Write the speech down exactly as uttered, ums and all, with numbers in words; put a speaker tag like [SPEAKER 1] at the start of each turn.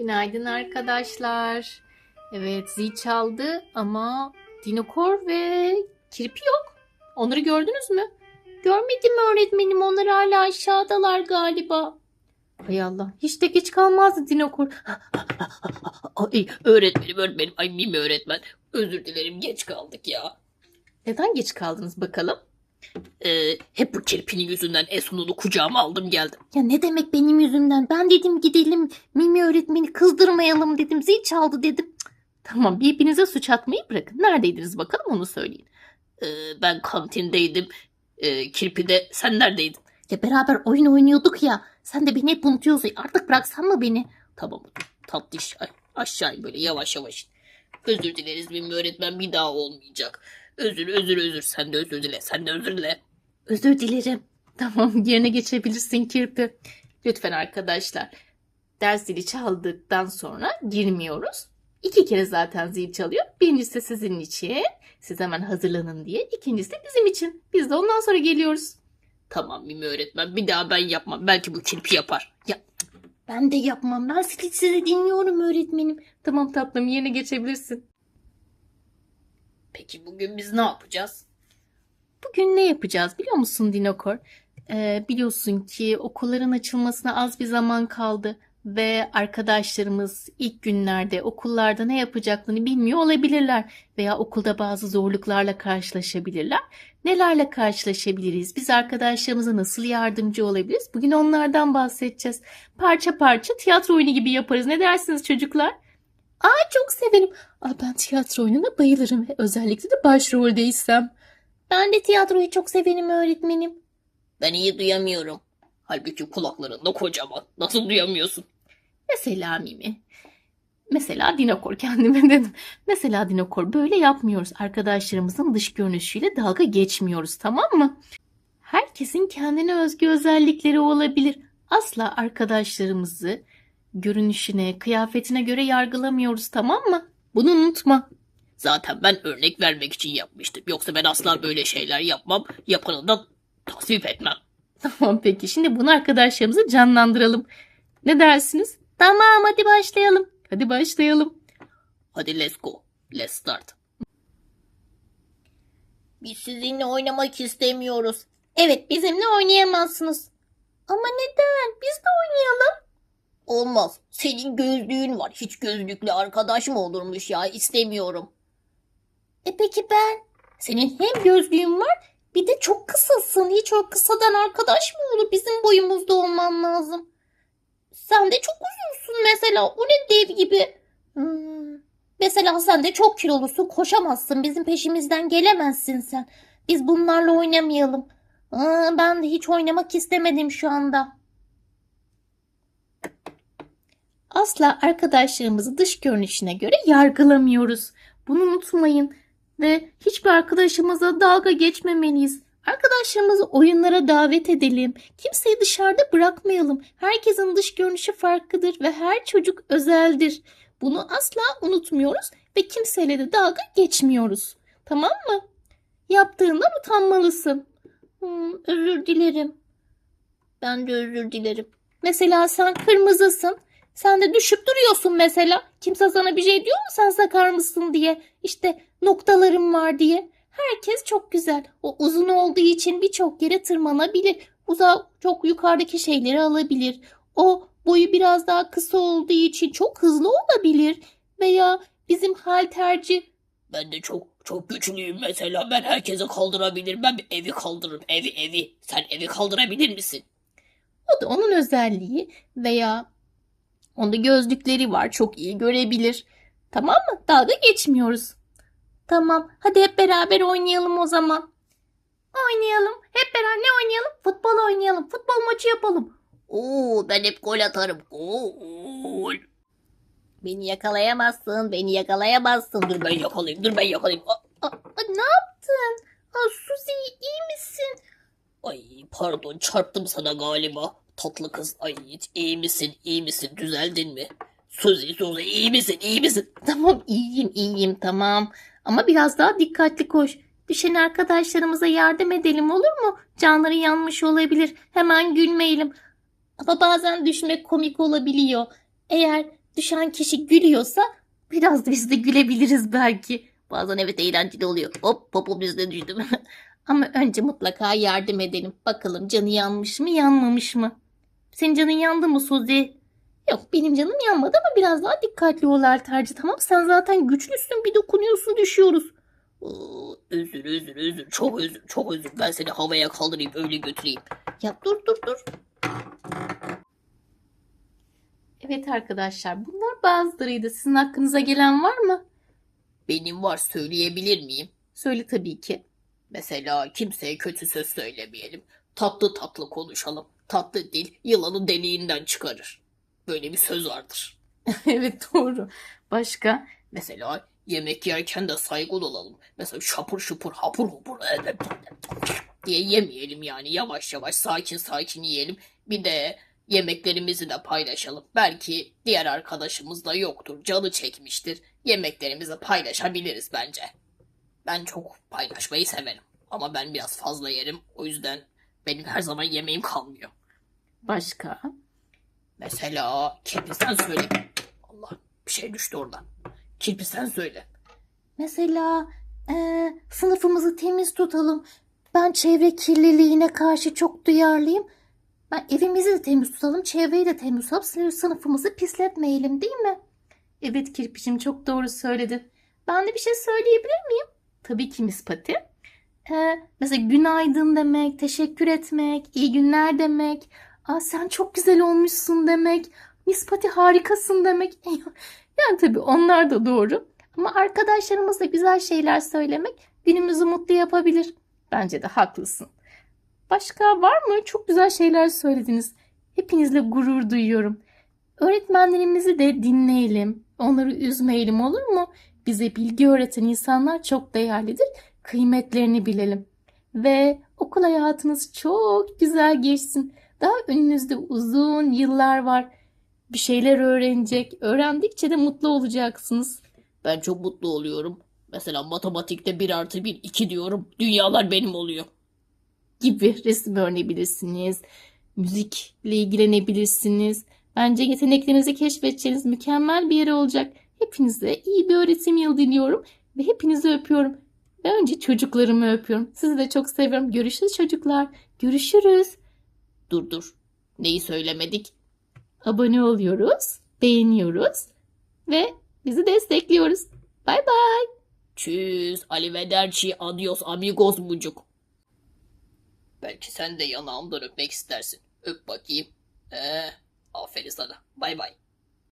[SPEAKER 1] Günaydın arkadaşlar. Evet, zil çaldı ama dinokor ve kirpi yok. Onları gördünüz mü? Görmedim öğretmenim. Onlar hala aşağıdalar galiba. Hay Allah. Hiç de geç kalmazdı dinokor.
[SPEAKER 2] Ay öğretmenim öğretmenim. Ay mimi öğretmen. Özür dilerim geç kaldık ya.
[SPEAKER 1] Neden geç kaldınız bakalım?
[SPEAKER 2] Ee, hep bu kirpinin yüzünden Esun'unu kucağıma aldım geldim.
[SPEAKER 1] Ya ne demek benim yüzümden? Ben dedim gidelim Mimi öğretmeni kızdırmayalım dedim. Zil çaldı dedim. Cık. Tamam, birbirinize suç atmayı bırakın. Neredeydiniz bakalım, onu söyleyin.
[SPEAKER 2] Ee, ben kantindeydim. Ee, kirpi de sen neredeydin?
[SPEAKER 1] Ya beraber oyun oynuyorduk ya. Sen de beni hep unutuyorsun. Artık bıraksan mı beni?
[SPEAKER 2] Tamam tatlış. Ay, aşağı böyle yavaş yavaş. Özür dileriz mimi öğretmen, bir daha olmayacak. Özür özür özür. Sen de özür dile. Sen de özür dile.
[SPEAKER 1] Özür dilerim. Tamam, yerine geçebilirsin kirpi. Lütfen arkadaşlar. Ders zili çaldıktan sonra girmiyoruz. İki kere zaten zil çalıyor. Birincisi sizin için. Siz hemen hazırlanın diye. İkincisi de bizim için. Biz de ondan sonra geliyoruz.
[SPEAKER 2] Tamam mimi öğretmen, bir daha ben yapmam. Belki bu kirpi yapar.
[SPEAKER 1] Ya ben de yapmam. Ben sizi, sizi dinliyorum öğretmenim. Tamam tatlım, yerine geçebilirsin.
[SPEAKER 2] Peki bugün biz ne yapacağız?
[SPEAKER 1] Bugün ne yapacağız biliyor musun Dinokor? Ee, biliyorsun ki okulların açılmasına az bir zaman kaldı ve arkadaşlarımız ilk günlerde okullarda ne yapacaklarını bilmiyor olabilirler veya okulda bazı zorluklarla karşılaşabilirler. Nelerle karşılaşabiliriz? Biz arkadaşlarımıza nasıl yardımcı olabiliriz? Bugün onlardan bahsedeceğiz. Parça parça tiyatro oyunu gibi yaparız. Ne dersiniz çocuklar? Aa, çok severim. Aa, ben tiyatro oyununa bayılırım. Özellikle de başroldeysem. Ben de tiyatroyu çok severim öğretmenim.
[SPEAKER 2] Ben iyi duyamıyorum. Halbuki kulaklarında kocaman. Nasıl duyamıyorsun?
[SPEAKER 1] Mesela Mimi. Mesela Dinokor, kendime dedim. Mesela Dinokor, böyle yapmıyoruz. Arkadaşlarımızın dış görünüşüyle dalga geçmiyoruz, tamam mı? Herkesin kendine özgü özellikleri olabilir. Asla arkadaşlarımızı görünüşüne, kıyafetine göre yargılamıyoruz, tamam mı? Bunu unutma.
[SPEAKER 2] Zaten ben örnek vermek için yapmıştım. Yoksa ben asla böyle şeyler yapmam. Yapanı da tasvip etmem.
[SPEAKER 1] Tamam peki, şimdi bunu arkadaşlarımızı canlandıralım. Ne dersiniz? Tamam, hadi başlayalım. Hadi başlayalım.
[SPEAKER 2] Hadi let's go. Let's start.
[SPEAKER 1] Biz sizinle oynamak istemiyoruz. Evet, bizimle oynayamazsınız. Ama neden? Biz de oynayalım.
[SPEAKER 2] Olmaz. Senin gözlüğün var. Hiç gözlüklü arkadaş mı olurmuş ya? İstemiyorum.
[SPEAKER 1] E peki ben? Senin hem gözlüğün var, bir de çok kısasın. Hiç o kısadan arkadaş mı olur? Bizim boyumuzda olman lazım. Sen de çok uzunsun mesela. O ne, dev gibi. Hmm. Mesela sen de çok kilolusun. Koşamazsın. Bizim peşimizden gelemezsin sen. Biz bunlarla oynamayalım. Aa, ben de hiç oynamak istemedim şu anda. Asla arkadaşlarımızı dış görünüşüne göre yargılamıyoruz. Bunu unutmayın. Ve hiçbir arkadaşımıza dalga geçmemeliyiz. Arkadaşlarımızı oyunlara davet edelim. Kimseyi dışarıda bırakmayalım. Herkesin dış görünüşü farklıdır ve her çocuk özeldir. Bunu asla unutmuyoruz ve kimseyle de dalga geçmiyoruz. Tamam mı? Yaptığından utanmalısın. Hmm, özür dilerim. Ben de özür dilerim. Mesela sen kırmızısın. Sen de düşüp duruyorsun mesela. Kimse sana bir şey diyor mu sen sakar mısın diye. İşte noktalarım var diye. Herkes çok güzel. O uzun olduğu için birçok yere tırmanabilir. Uzak, çok yukarıdaki şeyleri alabilir. O boyu biraz daha kısa olduğu için çok hızlı olabilir. Veya bizim halterci.
[SPEAKER 2] Ben de çok çok güçlüyüm mesela. Ben herkese kaldırabilirim. Ben bir evi kaldırırım. Evi evi. Sen evi kaldırabilir misin?
[SPEAKER 1] O da onun özelliği. Veya onda gözlükleri var. Çok iyi görebilir. Tamam mı? Dalga geçmiyoruz. Tamam. Hadi hep beraber oynayalım o zaman. Oynayalım. Hep beraber ne oynayalım? Futbol oynayalım. Futbol maçı yapalım.
[SPEAKER 2] Oo, ben hep gol atarım. Gol.
[SPEAKER 1] Beni yakalayamazsın. Beni yakalayamazsın.
[SPEAKER 2] Dur ben yakalayayım. Dur ben yakalayayım. Aa,
[SPEAKER 1] Aa, aa, ne yaptın? Aa, Suzi, iyi misin?
[SPEAKER 2] ay pardon, çarptım sana galiba. Tatlı kız. Ay iyi misin? İyi misin? Düzeldin mi? Suzi Suzi iyi misin? İyi misin?
[SPEAKER 1] Tamam, iyiyim iyiyim, tamam. Ama biraz daha dikkatli koş. Düşen arkadaşlarımıza yardım edelim, olur mu? Canları yanmış olabilir. Hemen gülmeyelim. Ama bazen düşmek komik olabiliyor. Eğer düşen kişi gülüyorsa biraz da biz de gülebiliriz belki.
[SPEAKER 2] Bazen evet eğlenceli oluyor. Hop popom bizde düştüm.
[SPEAKER 1] Ama önce mutlaka yardım edelim. Bakalım canı yanmış mı yanmamış mı? Senin canın yandı mı Suzi? Yok benim canım yanmadı ama biraz daha dikkatli ol Erterci, tamam? Sen zaten güçlüsün, bir dokunuyorsun düşüyoruz.
[SPEAKER 2] Oo, özür özür özür. Çok özür çok özür. Ben seni havaya kaldırayım öyle götüreyim.
[SPEAKER 1] Ya dur dur dur. Evet arkadaşlar, bunlar bazılarıydı. Sizin hakkınıza gelen var mı?
[SPEAKER 2] Benim var, söyleyebilir miyim?
[SPEAKER 1] Söyle tabii ki.
[SPEAKER 2] Mesela kimseye kötü söz söylemeyelim. Tatlı tatlı konuşalım. Tatlı dil yılanı deliğinden çıkarır. Böyle bir söz vardır.
[SPEAKER 1] Evet doğru. Başka?
[SPEAKER 2] Mesela yemek yerken de saygılı olalım. Mesela şapur şupur hapur hupur diye yemeyelim yani. Yavaş yavaş sakin sakin yiyelim. Bir de yemeklerimizi de paylaşalım. Belki diğer arkadaşımız da yoktur. Canı çekmiştir. Yemeklerimizi paylaşabiliriz bence. Ben çok paylaşmayı severim. Ama ben biraz fazla yerim. O yüzden benim her zaman yemeğim kalmıyor.
[SPEAKER 1] Başka?
[SPEAKER 2] Mesela Kirpi sen söyle. Allah, bir şey düştü oradan. Kirpi sen söyle.
[SPEAKER 1] Mesela eee, sınıfımızı temiz tutalım. Ben çevre kirliliğine karşı çok duyarlıyım. Ben evimizi de temiz tutalım, çevreyi de temiz tutalım. Sınıf- Sınıfımızı pisletmeyelim, değil mi? Evet Kirpicim, çok doğru söyledin. Ben de bir şey söyleyebilir miyim? Tabii ki Miss Pati. Ee, mesela günaydın demek, teşekkür etmek, iyi günler demek. Aa, sen çok güzel olmuşsun demek. Miss Pati harikasın demek. Yani tabii onlar da doğru. Ama arkadaşlarımızla güzel şeyler söylemek günümüzü mutlu yapabilir. Bence de haklısın. Başka var mı? Çok güzel şeyler söylediniz. Hepinizle gurur duyuyorum. Öğretmenlerimizi de dinleyelim. Onları üzmeyelim, olur mu? Bize bilgi öğreten insanlar çok değerlidir. Kıymetlerini bilelim. Ve okul hayatınız çok güzel geçsin. Daha önünüzde uzun yıllar var. Bir şeyler öğrenecek. Öğrendikçe de mutlu olacaksınız.
[SPEAKER 2] Ben çok mutlu oluyorum. Mesela matematikte bir artı bir iki diyorum. Dünyalar benim oluyor.
[SPEAKER 1] Gibi resim öğrenebilirsiniz. Müzikle ilgilenebilirsiniz. Bence yeteneklerinizi keşfedeceğiniz mükemmel bir yer olacak. Hepinize iyi bir öğretim yılı diliyorum ve hepinizi öpüyorum. Ve önce çocuklarımı öpüyorum. Sizi de çok seviyorum. Görüşürüz çocuklar. Görüşürüz.
[SPEAKER 2] Dur dur. Neyi söylemedik?
[SPEAKER 1] Abone oluyoruz, beğeniyoruz ve bizi destekliyoruz. Bay bay.
[SPEAKER 2] Tschüss, arrivederci, adios amigos mucuk. Belki sen de yanağımdan öpmek istersin. Öp bakayım. Ee, aferin sana. Bay bay.